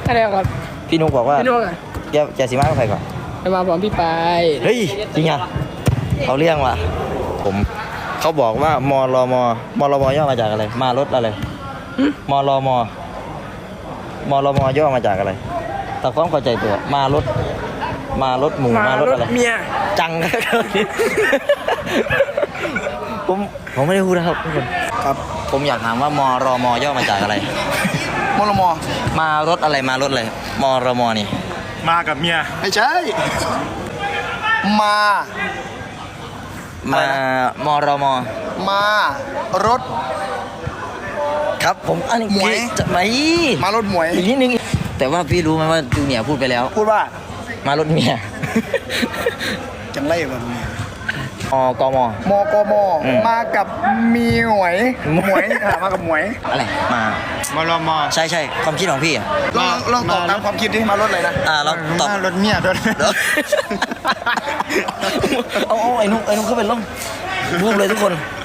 อะไรครับพี่นุกบอกว่าพี่นุกอะแกสิมากับใครก่อนจะมาพร้อมพี่ปายเฮ้ยจริงอ่ะเขาเรียกว่ะเขาบอกว่ามรมย่อมาจากอะไรมารถอะไรมรมย่อมาจากอะไรแต่ความเข้าใจตัวมารถหมู่มารถอะไรเมียจังผมไม่ได้พูดนะครับทุกคนครับผมอยากถามว่ามรมย่อมาจากอะไรมรมมารถอะไรมารถอะไรมรมนี่มากับเมียไม่ใช่มรมมารถครับผมอันนี้หมวยจะไหมมารถหมวยอีกนิดนึงแต่ว่าพี่รู้ไหมว่าจูเนียร์พูดไปแล้วพูดว่ามารถเมียจังไรแบบนี้กมกมมากับมีหวยมากับหวยอะไรมารมใช่ความคิดของพี่อ่ะลองตอบตามความคิดที่มารถอะไรนะเราตอบรถเมียด้วยเอาไอ้นุ๊กเขาเป็นล่มรูปเลยทุกคน